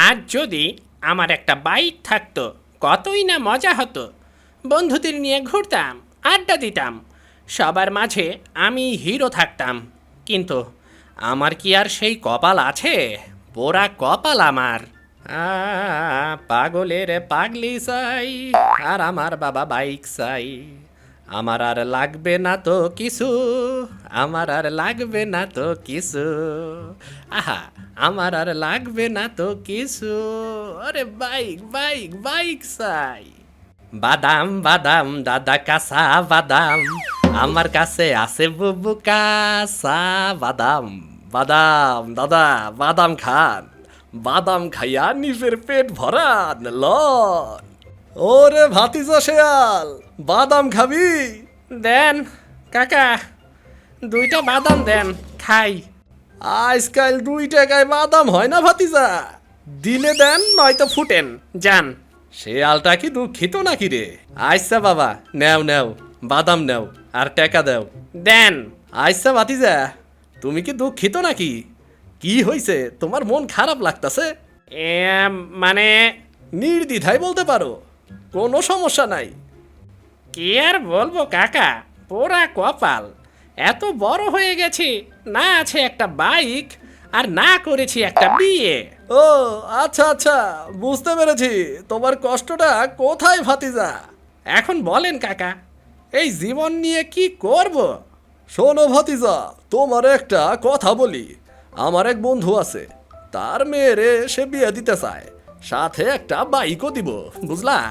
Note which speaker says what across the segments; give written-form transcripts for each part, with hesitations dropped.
Speaker 1: আজ যদি আমার একটা বাইক থাকতো কতই না মজা হতো। বন্ধুদের নিয়ে ঘুরতাম, আড্ডা দিতাম, সবার মাঝে আমি হিরো থাকতাম। কিন্তু আমার কি আর সেই কপাল আছে? পোড়া কপাল আমার। পাগলের পাগলি চাই, আর আমার বাবা বাইক চাই। আমার আর লাগবে না তো কিছু, আমার আর লাগবে না তো কিছু। আহা, আমার আর লাগবে না তো কিছু। আরে বাইক বাইক বাইক চাই। বাদাম বাদাম দাদা কাঁচা বাদাম, আমার কাছে আছে বুবু কাঁচা বাদাম। বাদাম দাদা বাদাম খান, বাদাম খাইয়া নিজের পেট ভরান লন। ওরে ভাতিজা শেয়াল, বাদাম খাবি? দেন কাকা, 2টা বাদাম দেন, খাই। আজকাল 2 টাকায় বাদাম হয় না ভাতিজা, দিলে দেন নয়তো ফুটেন যান। শেয়ালটা কি দুঃখিত নাকি রে? আচ্ছা বাবা, নেও নেও বাদাম নেও, আর টাকা দাও। দেন। আচ্ছা ভাতিজা, তুমি কি দুঃখিত নাকি? কি হয়েছে, তোমার মন খারাপ লাগতাছে? মানে নির্দ্বিধায় বলতে পারো, কোনো সমস্যা নাই। কি আর বলবো কাকা, পোড়া কপাল। এত বড় হয়ে গেছি, না আছে একটা বাইক, আর না করেছি একটা বিয়ে। ও আচ্ছা আচ্ছা, বুঝতে পেরেছি তোমার কষ্টটা কোথায় ভাতিজা। এখন বলেন কাকা, এই জীবন নিয়ে কি করব? শোনো ভাতিজা, তোমার একটা কথা বলি। আমার এক বন্ধু আছে, তার মেয়েরে সে বিয়ে দিতে চায়, সাথে একটা বাইকও দিব, বুঝলা?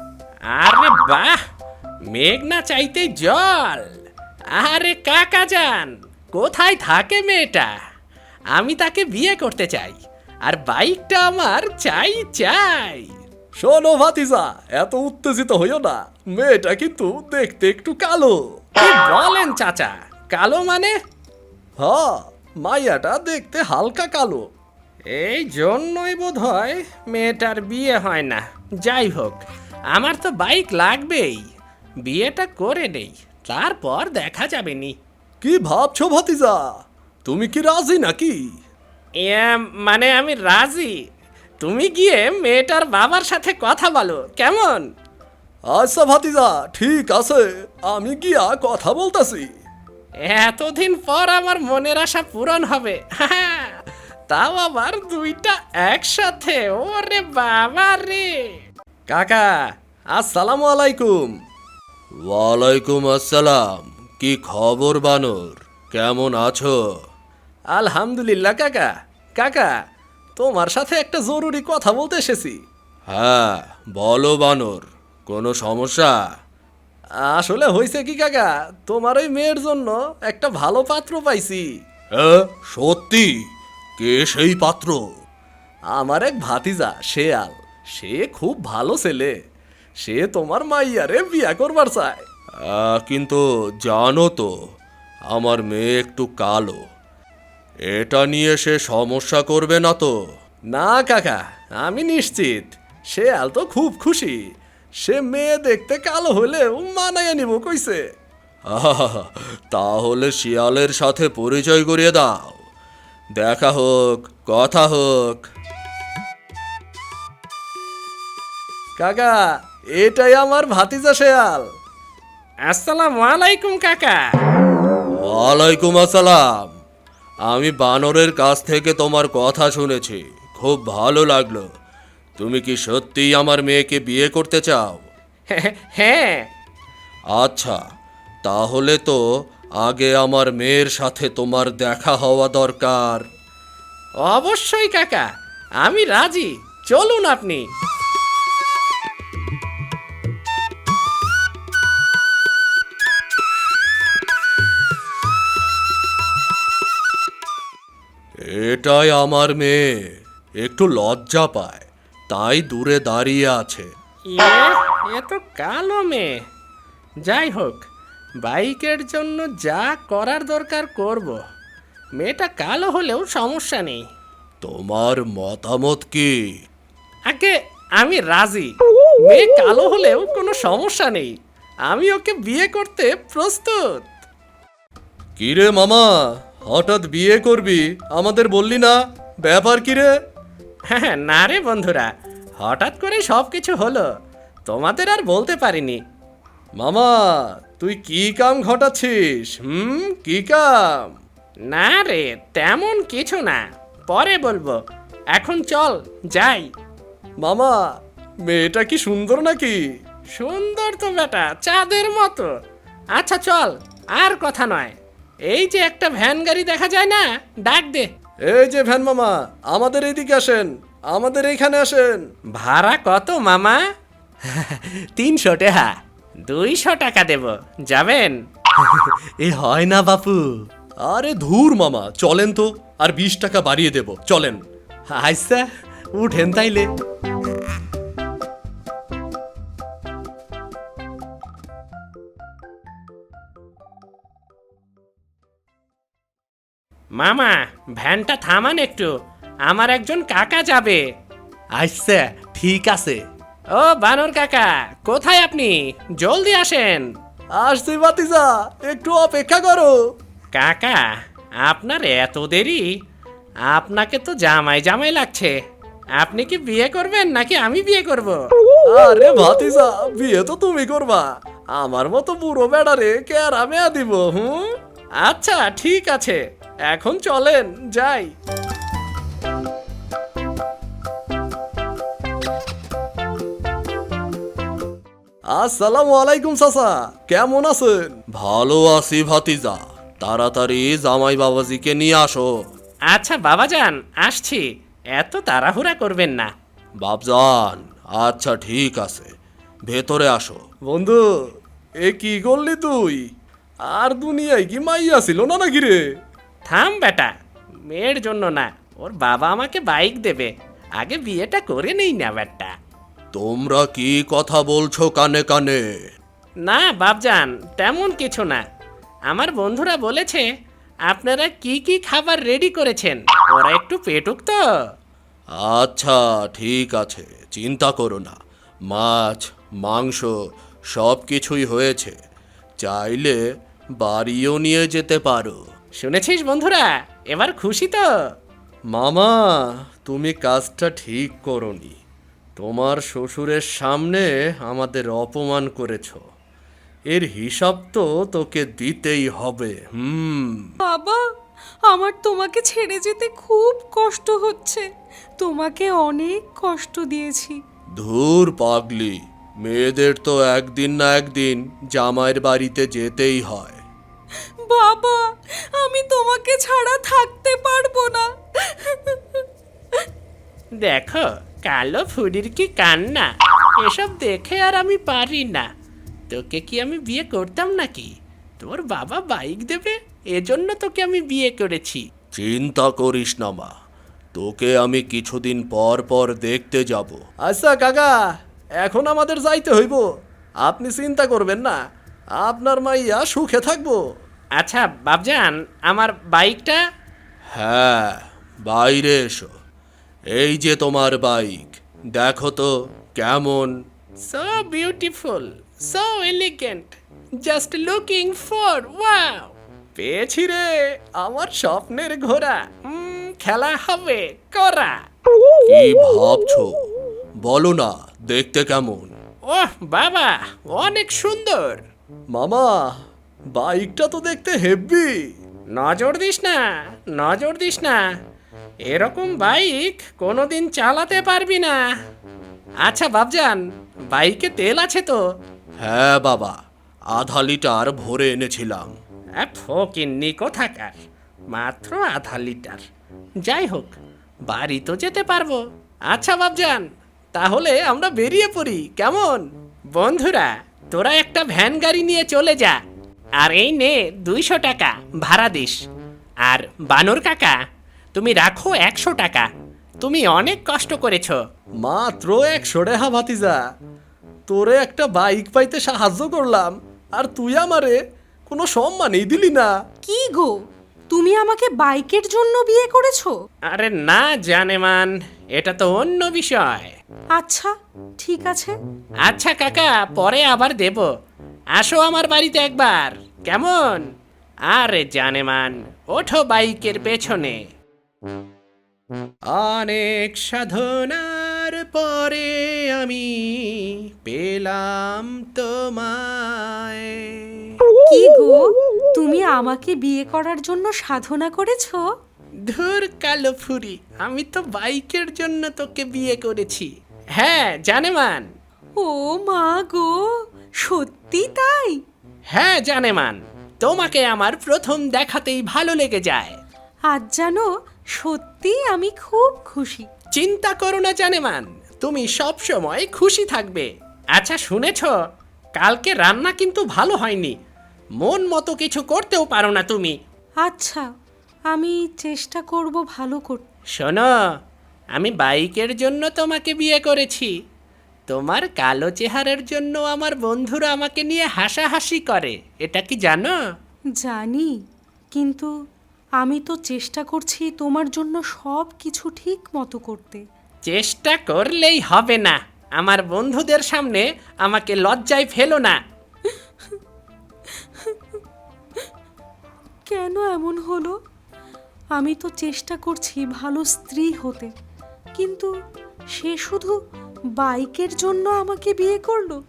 Speaker 1: আরে বাহ, মেঘ না চাইতেই জল। আরে কাকা যান, কোথায় থাকে মেয়েটা? আমি তাকে বিয়ে করতে চাই, আর বাইকটা আমার চাই চাই। শোনো ভাতিজা, এত উত্তেজিত হইও না, মেয়েটা কিন্তু দেখতে একটু কালো। কি বলেন চাচা, কালো মানে? হ্যাঁ, মাইয়াটা দেখতে হালকা কালো। এই জন্যই বোধ হয় মেয়েটার বিয়ে হয় না। যাই হোক, আমার তো বাইক লাগবেই, বিয়েটা করে নেই, তারপর দেখা যাবে নি। কি ভাবছো ভাতিজা, তুমি কি রাজি নাকি? মানে আমি রাজি, তুমি গিয়ে মেয়েটার বাবার সাথে কথা বলো, কেমন? আচ্ছা ভাতিজা, ঠিক আছে, আমি গিয়া কথা বলতাছি। এতদিন পর আমার মনের আশা পূরণ হবে, তাও আবার 2টা একসাথে। ওরে বাবা রে। কাকা আসসালামু আলাইকুম।
Speaker 2: ওয়ালাইকুম আসসালাম। কি খবর বানর, কেমন আছো?
Speaker 1: আলহামদুলিল্লাহ কাকা। কাকা, তোমার সাথে একটা জরুরি কথা বলতে এসেছি।
Speaker 2: হ্যাঁ বলো বানর, কোনো সমস্যা?
Speaker 1: আসলে হয়েছে কি কাকা, তোমার ওই মেয়ের জন্য একটা ভালো পাত্র পাইছি।
Speaker 2: সত্যি? কে সেই পাত্র?
Speaker 1: আমার এক ভাতিজা শেয়াল, সে খুব ভালো ছেলে, সে তোমার মাইয়ারে বিয়া করবার চায়।
Speaker 2: কিন্তু জানো তো, আমার মেয়ে একটু কালো, এটা নিয়ে সে সমস্যা করবে না তো?
Speaker 1: না কাকা, আমি নিশ্চিত শেয়াল তো খুব খুশি, সে মেয়ে দেখতে কালো হলেও মানাইয়া নিব কইছে।
Speaker 2: তাহলে শিয়ালের সাথে পরিচয় করিয়ে দাও, দেখা হোক, কথা হোক।
Speaker 1: কাকা, এটাই আমার ভাতিজা শেয়াল। আসসালামু আলাইকুম কাকা।
Speaker 2: ওয়ালাইকুম আসসালাম। আমি বানরের কাছ থেকে তোমার কথা শুনেছি, খুব ভালো লাগলো। তুমি কি সত্যিই আমার মেয়েকে বিয়ে করতে চাও?
Speaker 1: হ্যাঁ।
Speaker 2: আচ্ছা, তাহলে তো আগে আমার মেয়ের সাথে তোমার দেখা হওয়া দরকার।
Speaker 1: অবশ্যই কাকা, আমি রাজি, চলুন আপনি।
Speaker 2: এটাই আমার মেয়ে, একটু লজ্জা পায়, তাই দূরে দাঁড়িয়ে আছে।
Speaker 1: এ তো কালো মেয়ে। যাই হোক, বাইকের জন্য যা করার দরকার করব। মেয়েটা কালো হলেও সমস্যা নেই।
Speaker 2: তোমার মতামত কি?
Speaker 1: আগে আমি রাজি, মেয়ে কালো হলেও কোনো সমস্যা নেই, আমি ওকে বিয়ে করতে প্রস্তুত।
Speaker 2: কিরে মামা, হঠাৎ বিয়ে করবি, আমাদের বললি না? ব্যাপার কিরে?
Speaker 1: হ্যাঁ, না রে বন্ধুরা, হঠাৎ করে সব কিছু হলো, তোমাদের আর বলতে পারিনি।
Speaker 2: মামা, তুই কি কাম ঘটাচ্ছিস? কি কাম?
Speaker 1: না রে, তেমন কিছু না, পরে বলবো, এখন চল যাই।
Speaker 2: মামা, মেয়েটা কি সুন্দর নাকি?
Speaker 1: সুন্দর তো বেটা, চাঁদের মতো। আচ্ছা চল, আর কথা নয়, এই যে একটা ভ্যান গাড়ি দেখা যায় না, ডাক দে।
Speaker 2: এই যে ভ্যান মামা, আমাদের এইদিকে আসেন, আমাদের এইখানে আসেন।
Speaker 1: ভাড়া কত মামা? 300 টাকা। 200 টাকা দেব, যাবেন?
Speaker 2: এ হয় না বাপু। আরে ধুর মামা, চলেন তো, আর 20 টাকা বাড়িয়ে দেব, চলেন।
Speaker 1: আচ্ছা, উঠেন তাইলে। মামা, ভ্যানটা থামান একটু, আমার একজন কাকা যাবে।
Speaker 2: আচ্ছা, ঠিক আছে।
Speaker 1: ও বানর কাকা, কোথায় আপনি? জলদি আসেন।
Speaker 2: আসছি ভাতিজা, একটু অপেক্ষা করো।
Speaker 1: কাকা, আপনার এত দেরি? আপনাকে তো জামাই জামাই লাগছে। আপনি কি বিয়ে করবেন নাকি আমি বিয়ে করব?
Speaker 2: আরে ভাতিজা, বিয়ে তো তুমি করবা, আমার মতো বুড়ো বেড়ারে কেরা মেয়া দিব।
Speaker 1: আচ্ছা ঠিক আছে, এখন চলেন যাই।
Speaker 2: আসসালামু আলাইকুম চাচা, কেমন আছেন? ভালো আছি ভাতিজা, তাড়াতাড়ি জামাই বাবাজিকে নিয়ে আসো।
Speaker 1: আচ্ছা বাবাজান, আসছি, এত তাড়াহুড়া করবেন না।
Speaker 2: বাবজান, আচ্ছা ঠিক আছে, ভেতরে আসো। বন্ধু, এ কি করলি তুই? আর দুনিয়ায় কি মাইয়া ছিল না নাকি রে?
Speaker 1: থাম বেটা, মেয়ের জন্য না, ওর বাবা আমাকে বাইক দেবে, আগে বিয়েটা করে নেই না বেটা।
Speaker 2: তোমরা কি কথা বলছো কানে কানে?
Speaker 1: না বাবজান, তেমন কিছু না। আমার বন্ধুরা বলেছে আপনারা কি কি খাবার রেডি করেছেন, ওরা একটু পেটুক তো।
Speaker 2: আচ্ছা ঠিক আছে, চিন্তা করো না, মাছ মাংস সব কিছুই হয়েছে, চাইলে বাড়িও নিয়ে যেতে পারো।
Speaker 1: শুনেছিস বন্ধুরা, এবার খুশি তো?
Speaker 2: মামা, তুমি কাজটা ঠিক করনি, তোমার শ্বশুরের সামনে আমাদের অপমান করেছ, এর হিসাব তো তোকে দিতেই হবে।
Speaker 3: বাবা, আমার তোমাকে ছেড়ে যেতে খুব কষ্ট হচ্ছে। তোমাকে অনেক কষ্ট দিয়েছি।
Speaker 2: ধুর পাগলি, মেয়েদের তো একদিন না একদিন জামাইয়ের বাড়িতে যেতেই হয়।
Speaker 3: বাবা, আমি তোমাকে ছাড়া থাকতে পারবো না।
Speaker 1: দেখো, কালো ফুডির কি কান্না, এসব দেখে আর আমি পারি না। তোকে কি আমি বিয়ে করতাম নাকি? তোর বাবা বাইক দেবে, এজন্য তোকে আমি বিয়ে করেছি।
Speaker 2: চিন্তা করিস না মা, তোকে আমি কিছুদিন পর পর দেখতে যাব। আচ্ছা কাকা, এখন আমাদের যাইতে হইব, আপনি চিন্তা করবেন না, আপনার মাইয়া সুখে থাকবো।
Speaker 1: আচ্ছা বাবজান, আমার বাইকটা?
Speaker 2: হ্যাঁ, বাইরে এসো, এই যে তোমার বাইক, দেখো তো কেমন।
Speaker 1: So beautiful, so elegant, just looking for wow. পেয়েছি রে, আমার স্বপ্নের ঘোড়া। খেলা হবে করা।
Speaker 2: কি ভাবছো বলো না, দেখতে কেমন?
Speaker 1: ওহ বাবা, অনেক সুন্দর।
Speaker 2: মামা, বাইকটা তো দেখতে হেভি।
Speaker 1: নজর দিস না, নজর দিস না, এরকম বাইক কোনোদিন চালাতে পারবি না। আচ্ছা বাবজান, বাইকে তেল আছে তো?
Speaker 2: হ্যাঁ বাবা, আধা লিটার ভরে এনেছিলাম।
Speaker 1: ফকিন্নি কোথাকার, মাত্র আধা লিটার। যাই হোক, বাড়ি তো যেতে পারবো। আচ্ছা বাবজান, তাহলে আমরা বেরিয়ে পড়ি, কেমন? বন্ধুরা, তোরা একটা ভ্যান গাড়ি নিয়ে চলে যা, আর এই নে 200 টাকা ভাড়া দিস। আর বানর কাকা, তুমি রাখো 100 টাকা, তুমি অনেক কষ্ট করেছো।
Speaker 2: মাত্র 100 টাকা ভাতিজা, তোরে একটা বাইক পাইতে সাহায্য করলাম, আর তুই আমারে কোনো সম্মানই দিলি না।
Speaker 3: কি গো, তুমি আমাকে বাইকের জন্য বিয়ে করেছো?
Speaker 1: আরে না জানেমান, এটা তো অন্য বিষয়।
Speaker 3: আচ্ছা ঠিক আছে।
Speaker 1: আচ্ছা কাকা, পরে আবার দেব, আসো আমার বাড়িতে একবার, কেমন? আরে জানেমান, ওঠো বাইকের পেছনে। অনেক সাধনার পরে আমি পেলাম তোমায়।
Speaker 3: কি গো, তুমি আমাকে বিয়ে করার জন্য সাধনা করেছো?
Speaker 1: ধুর কালো ফুরি, আমি তো বাইকের জন্য তোকে বিয়ে করেছি। হ্যাঁ জানেমান।
Speaker 3: ও মা গো, সত্যি তাই?
Speaker 1: হ্যাঁ জানেমান, তোমাকে আমার প্রথম দেখাতেই ভালো লেগে যায়।
Speaker 3: আজ জানো, সত্যি আমি খুব খুশি।
Speaker 1: চিন্তা করো না জানেমান, তুমি সব সময় খুশি থাকবে। আচ্ছা শুনেছ, কালকে রান্না কিন্তু ভালো হয়নি। মন মতো কিছু করতেও পারো না তুমি।
Speaker 3: আচ্ছা, আমি চেষ্টা করব ভালো করতে।
Speaker 1: শোনো, আমি বাইকের জন্য তোমাকে বিয়ে করেছি। তোমার কালো চেহারার জন্য আমার বন্ধুরা আমাকে নিয়ে হাসাহাসি করে, এটা কি জানো?
Speaker 3: জানি, কিন্তু আমি তো চেষ্টা করছি তোমার জন্য সব কিছু ঠিক মতো করতে।
Speaker 1: চেষ্টা করলেই হবে না, আমার বন্ধুদের সামনে আমাকে লজ্জায় ফেলো না।
Speaker 3: কেন এমন হলো? আমি তো চেষ্টা করছি ভালো স্ত্রী হতে, কিন্তু সে শুধু বাইকের জন্য আমাকে বিয়ে করলো।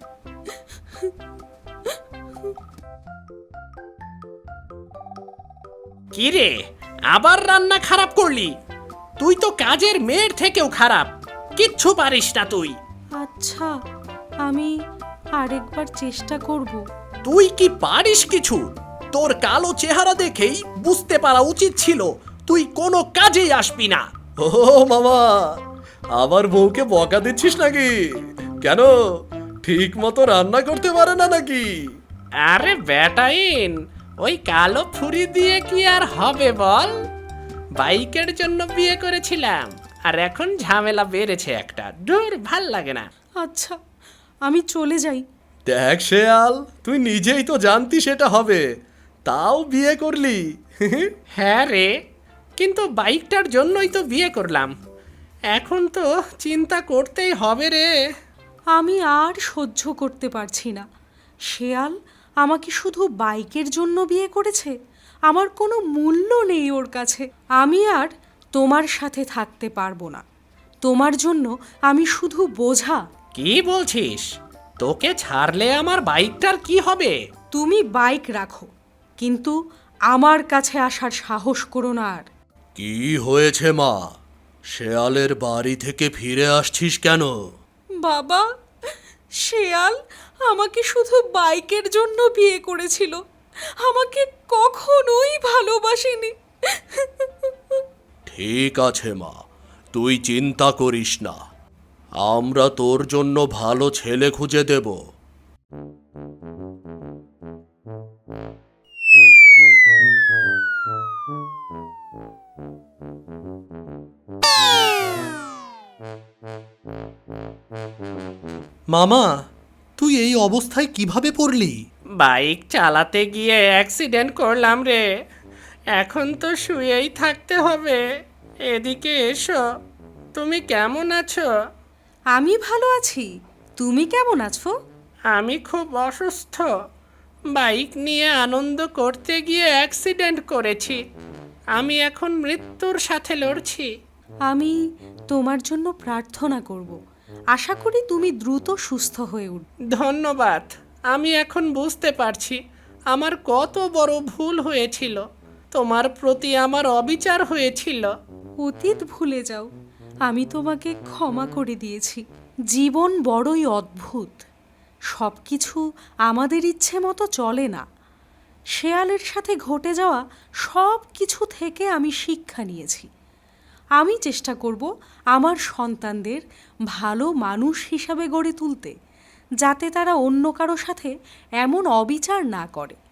Speaker 1: কি রে, আবার রান্না খারাপ করলি? তুই তো কাজের মেয়ের থেকেও খারাপ, কিচ্ছু পারিস না তুই।
Speaker 3: আচ্ছা, আমি আরেকবার চেষ্টা করব।
Speaker 2: তুই কি পারিস কিছু? তোর কালো চেহারা দেখেই বুঝতে পারা উচিত ছিল তুই কোনো কাজেই আসবি না। ও মামা, আবার বউকে বকা দিচ্ছিস নাকি? কেন, ঠিক মতো রান্না করতে পারে না নাকি?
Speaker 1: আরে বেটাইন, ওই কালো ফুরি দিয়ে কি আর হবে বল? বাইকের জন্য বিয়ে করেছিলাম, আর এখন ঝামেলা বেড়েছে একটা। দূর, ভাল লাগে না।
Speaker 3: আচ্ছা, আমি চলে যাই।
Speaker 2: দেখ শেয়াল, তুই নিজেই তো জানতি সেটা হবে, তাও বিয়ে করলি।
Speaker 1: হ্যাঁ রে, কিন্তু বাইকটার জন্যই তো বিয়ে করলাম। এখন তো চিন্তা করতেই হবে রে।
Speaker 3: আমি আর সহ্য করতে পারছি না। শেয়াল আমাকে শুধু বাইকের জন্য বিয়ে করেছে, আমার কোনো মূল্য নেই ওর কাছে। আমি আর তোমার সাথে থাকতে পারবো না। তোমার জন্য আমি শুধু বোঝা।
Speaker 1: কি বলছিস? তোকে ছাড়লে আমার বাইকটার কি হবে?
Speaker 3: তুমি বাইক রাখো, কিন্তু আমার কাছে আসার সাহস করো না আর।
Speaker 2: কি হয়েছে মা? শেয়ালের বাড়ি থেকে ফিরে আসছিস কেন?
Speaker 3: বাবা, শেয়াল আমাকে শুধু বাইকের জন্য বিয়ে করেছিল, আমাকে কখনোই ভালোবাসেনি।
Speaker 2: ঠিক আছে মা, তুই চিন্তা করিস না, আমরা তোর জন্য ভালো ছেলে খুঁজে দেব। মামা, তুই এই অবস্থায় কিভাবে পড়লি?
Speaker 1: বাইক চালাতে গিয়ে অ্যাক্সিডেন্ট করলাম রে। এখন তো শুয়েই থাকতে হবে। এদিকে এসো, তুমি কেমন আছো?
Speaker 3: আমি ভালো আছি, তুমি কেমন আছো?
Speaker 1: আমি খুব অসুস্থ। বাইক নিয়ে আনন্দ করতে গিয়ে অ্যাক্সিডেন্ট করেছি। আমি এখন মৃত্যুর সাথে লড়ছি।
Speaker 3: আমি তোমার জন্য প্রার্থনা করব, আশা করি তুমি দ্রুত সুস্থ হয়ে উঠবে।
Speaker 1: ধন্যবাদ। আমি এখন বুঝতে পারছি আমার কত বড় ভুল হয়েছিল। তোমার প্রতি আমার অবিচার হয়েছিল।
Speaker 3: অতীত ভুলে যাও, আমি তোমাকে ক্ষমা করে দিয়েছি। জীবন বড়ই অদ্ভুত, সব কিছু আমাদের ইচ্ছে মতো চলে না। শেয়ালের সাথে ঘটে যাওয়া সব কিছু থেকে আমি শিক্ষা নিয়েছি। আমি চেষ্টা করব আমার সন্তানদের ভালো মানুষ হিসাবে গড়ে তুলতে, যাতে তারা অন্য কারো সাথে এমন অবিচার না করে।